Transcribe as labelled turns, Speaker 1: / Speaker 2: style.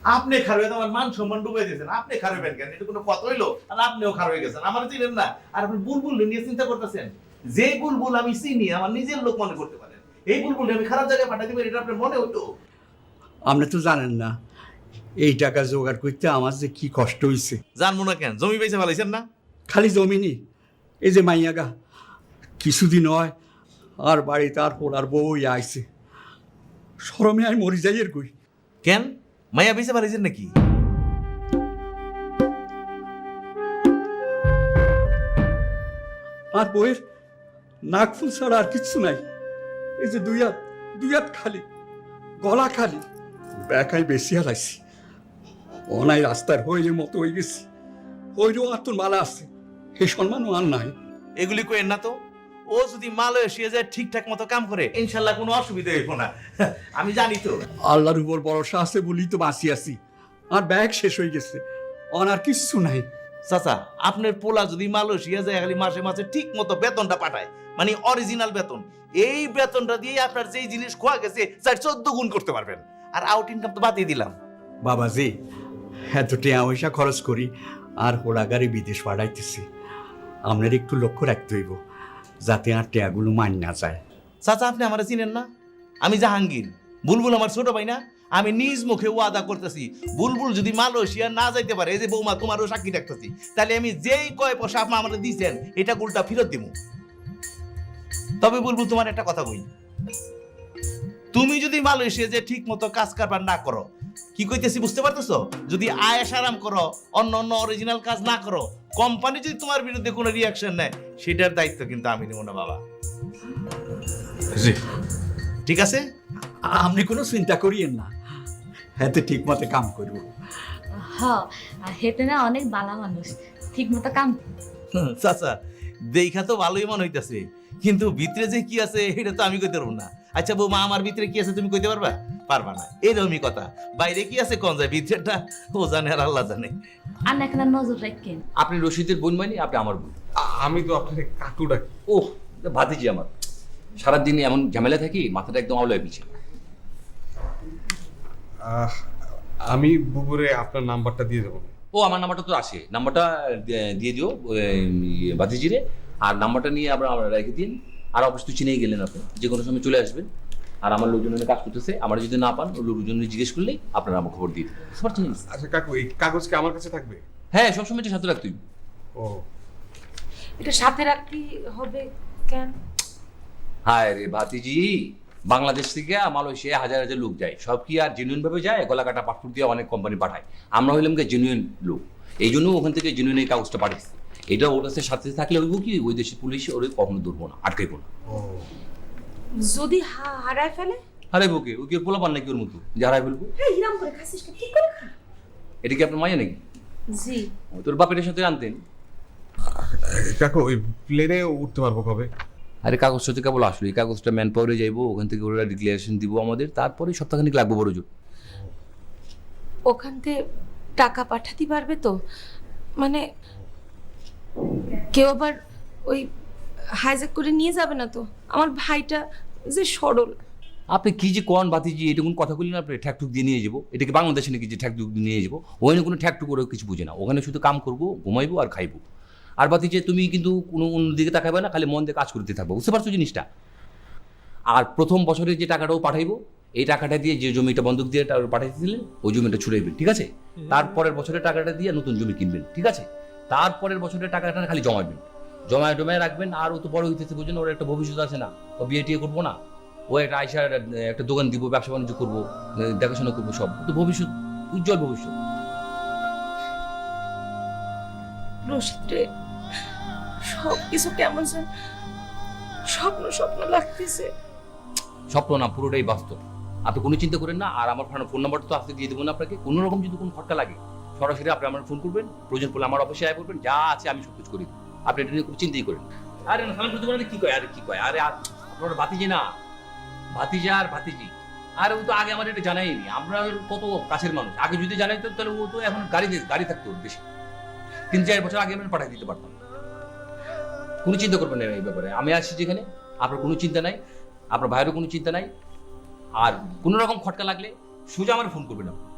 Speaker 1: আপনি খারাপ আমার মান সম্মান ডুবে দিয়েছেন, আপনি খারাপ কেন? এটা কোনো কথা হইলো? আর আপনিও খারাপ হয়ে গেছেন, আমার চিনেন না। আর আপনি বুলবুল নিয়ে চিন্তা করতেছেন। যে বুলবুল আমি চিনি, আমার নিজের লোক মনে করতে পারেন, এই বুলবুল আমি খারাপ জায়গায় পাঠাতে পারি, এটা আপনার মনে হইতো?
Speaker 2: আপনি তো জানেন না এই টাকা জোগাড় করতে আমার যে কি কষ্ট হয়েছে।
Speaker 1: জানবো না কেন? জমি পয়সা ফেলাইছেন না?
Speaker 2: খালি জমিনি, এই যে মাইয়াগা কিছুদিন হয় আর বাড়িতে আর পোলার বউ আইছে, শরমে আমি মরি যাই এর কই।
Speaker 1: কেন মাইয়া পয়সা ফেলাইছেন নাকি?
Speaker 2: আর বউয়ের নাক ফুল ছাড়া আর কিচ্ছু নাই। এই যে দুই হাত খালি, গলা খালি, ব্যাকায় বেশি হারাইছি। অনাই রাস্তার হইলের মতো হয়ে গেছি। হইলেও আর তোর মালা আছে, এই সম্মানও আর নাই।
Speaker 1: এগুলি কইেন না তো। ও যদি মালয়েশিয়া যায় ঠিকঠাক মতো কাম করে, ইনশাল্লাহ কোনো অসুবিধা হইব না। আমি জানি তো।
Speaker 2: আল্লাহর উপর ভরসা আছে বলেই তো বাঁচি আছি। আর ব্যাগ শেষ হয়ে গেছে, আর কিচ্ছু নাই।
Speaker 1: চাচা, আপনার পোলা যদি মালয়েশিয়া যায় খালি মাসে মাসে ঠিক মতো বেতনটা পাঠায়, মানে অরিজিনাল বেতন, এই বেতনটা দিয়ে আপনার যেই জিনিস খোয়া গেছে তার 14 গুণ করতে পারবেন। আর আউট ইনকাম তো বাদই দিলাম।
Speaker 2: বাবাজি, এত টিয়া পয়সা খরচ করি আর হোলাগাড়ি বিদেশ পাঠাইতেছি, আপনার একটু লক্ষ্য রাখতে হইব যাতে আর টিয়াগুলো মান না যায়।
Speaker 1: চাচা, আপনি আমার চিনেন না? আমি জাহাঙ্গীর, বুলবুল আমার ছোট ভাই না? আমি নিজ মুখে ওয়াদা করতেছি, বুলবুল যদি মালয়েশিয়া না যাইতে পারে, এই যে বৌমা তোমারও সাক্ষী রাখতেছি, তাহলে আমি যেই কয় পয়সা আপনি আমার দিয়েছেন এটা উল্টা ফেরত দিব। তবে বুলবুল, তোমার একটা কথা কই, তুমি যদি মালয়েশিয়া যে ঠিক মতো কাজ কারবার না করো, কি কইতেছি বুঝতে পারতেছো? যদি আয়েশ আরাম করো, অন্য অরিজিনাল কাজ না করো, কোম্পানি যদি তোমার বিরুদ্ধে কোনো রিয়াকশন নেয়, সেটার দায়িত্ব কিন্তু আমি নেব না বাবা। ঠিক আছে?
Speaker 2: আপনি কোনো চিন্তা করিয়েন না, এতে ঠিক মতো কাম করব।
Speaker 3: হেতে না অনেক বালা মানুষ, ঠিক মতো কাম।
Speaker 1: চাচা, দেখা তো ভালোই মনে হইতাছে, কিন্তু ভিতরে যে কি আছে এটা তো আমি কইতে পারবো না। আচ্ছা বৌমা, আমার ভিতরে কি আছে তুমি কইতে পারবা? পারবা না, এরকমই কথা। বাইরে কি আছে কোন যায়, ভিতরেটা ও জানে আর আল্লাহ জানে।
Speaker 3: আর না এখানে নজর রাখেন।
Speaker 4: আপনি রশিদের বোন মানে, আপনি আমার বোন।
Speaker 5: আমি তো আপনাকে কাকু ডাকি।
Speaker 4: ওহ, ভাতিজি আমার। সারাদিন এমন ঝামেলা থাকি, মাথাটা একদম আওলায় পিছে।
Speaker 5: আমি বুবুরে আপনার নাম্বারটা দিয়ে দেবো।
Speaker 4: ও, আমার নাম্বারটা তো আসে, নাম্বারটা দিয়ে দিও ভাতিজিরে। আর নাম্বারটা নিয়ে আমরা রেখে দিন। আর অবশ্য চিনেই গেলেন, আপনি যে কোনো সময় চলে আসবেন। আর আমার লোকজনের কাজ করতেছে, আমার যদি না পান ওই লোকজনের জিজ্ঞেস করলেই আপনারা আমার খবর দিয়ে দেবেন। বুঝতে পারছেন?
Speaker 5: আচ্ছা কাকু, এই কাগজ কি আমার কাছে থাকবে?
Speaker 4: হ্যাঁ, সবসময় এটা সাথে রাখতেই।
Speaker 5: ও,
Speaker 6: এটা সাথে রাখতে হবে কেন?
Speaker 4: হায় রে ভাতিজি, বাংলাদেশ থেকে মালয়েশিয়া হাজার হাজার লোক যায়, সব কি আর জেনুইন ভাবে যায়? গলা কাটা পাসপোর্ট দিয়ে অনেক কোম্পানি পাঠায়। আমরা হইলাম কি জেনুইন লোক, এই জন্য ওখান থেকে জেনুইন এই কাগজটা পাঠাইছি। এটা ওর কাছে সাথে থাকলে হইব কি, ওই দেশের পুলিশ ওরে কখনো ধরবো না, আটকাইবো না।
Speaker 5: ও,
Speaker 6: যদি হারায় ফেলে?
Speaker 4: হারাই বুকে ওই কি পোলা পান নাকি ওর মতো যে হারাই ফেলবো?
Speaker 6: হ্যাঁ, হিরাম করে খাসিস কি করে খা?
Speaker 4: এটা কি আপনার মাইয়া নাকি?
Speaker 6: জি।
Speaker 4: তোর বাপের সাথে আনতেন।
Speaker 5: কাকু ওই প্লেনে উঠতে পারবো কবে?
Speaker 4: আরে কাগজটা তো কেবল আসলো, এই কাগজটা ম্যান পাওয়ারে যাইবো, ওখান থেকে ওরা ডিক্লারেশন দিব আমাদের, তারপরে সপ্তাহখানিক লাগবে বড় জোর।
Speaker 6: ওখান থেকে টাকা পাঠাতে পারবে তো? মানে কেউ আবার ওই হাইজ্যাক করে নিয়ে যাবে না তো? আমার ভাইটা যে সরল।
Speaker 4: আপনি কি যে কোন বাতিজি, এটা কোন কথা বললেন? আপনি ঠ্যাকটুক দিয়ে নিয়ে যাবো? এটা কি বাংলাদেশে নাকি যে ঠ্যাকটুক দিয়ে নিয়ে যাবো? ওখানে কোনো ঠ্যাকটুক ওরা কিছু বুঝে না, ওখানে শুধু কাম করবো, ঘুমাইবো আর খাইবো। আর বাতিজি, তুমি কিন্তু কোনো অন্যদিকে তাকাবে না, খালি মন দিয়ে কাজ করতে থাকবো। বুঝতে পারছো জিনিসটা? আর প্রথম বছরে যে টাকাটাও পাঠাইবো, এই টাকাটা দিয়ে যে জমিটা বন্ধক দিয়ে পাঠাইতে দিলেন, ওই জমিটা ছুড়াইবেন, ঠিক আছে? তারপরের বছরের টাকাটা দিয়ে নতুন জমি কিনবেন, ঠিক আছে? তারপরের বছরের টাকাটা খালি জমাবেন, জমায় রাখবেন। আর ও তো বড় হইতেছে, বুঝলেন? ওর একটা ভবিষ্যৎ আছে না? ও বিয়ে টিয়ে করবো না, ও একটা আইসার একটা দোকান দিব, ব্যবসা বাণিজ্য করবো, দেখাশোনা করবো, সব তো ভবিষ্যৎ, উজ্জ্বল ভবিষ্যৎ।
Speaker 6: রশিদ রে, সব কিছু কেমন যেন স্বপ্ন স্বপ্ন লাগতেছে।
Speaker 4: স্বপ্ন না, পুরোটাই বাস্তব। আপনি কোনো চিন্তা করেন না। আর আমার ফোন নাম্বারটা তো আজকে দিয়ে দেবো না আপনাকে। কোনো রকম যদি কোনো খটকা লাগে, সরাসরি আপনি আমার ফোন করবেন, প্রয়োজন পড়লে আমার অফিসে আয় করবেন, যা আছে আমি সব কিছু করি। আপনি এটা নিয়ে কোনো চিন্তাই করেন। আরে না, সালাম করতে পারেন? কি কয়? আরে কি কয়? আরে আপনার ভাতিজি না, ভাতিজা আর ভাতিজি। আর ও তো আগে আমার এটা জানাইনি, আমরা কত কাছের মানুষ। আগে যদি জানাইতো তাহলে ও তো এখন গাড়ি থাকতো ওর বেশি, 3-4 বছর আগে আমি পাঠিয়ে দিতে পারতাম। কোনো চিন্তা করবেন না এই ব্যাপারে। আমি আছি যেখানে, আপনার কোনো চিন্তা নাই, আপনার ভাইয়েরও কোনো চিন্তা নাই। আর কোনো রকম খটকা লাগলে সোজা আমার ফোন করবেন আপনি।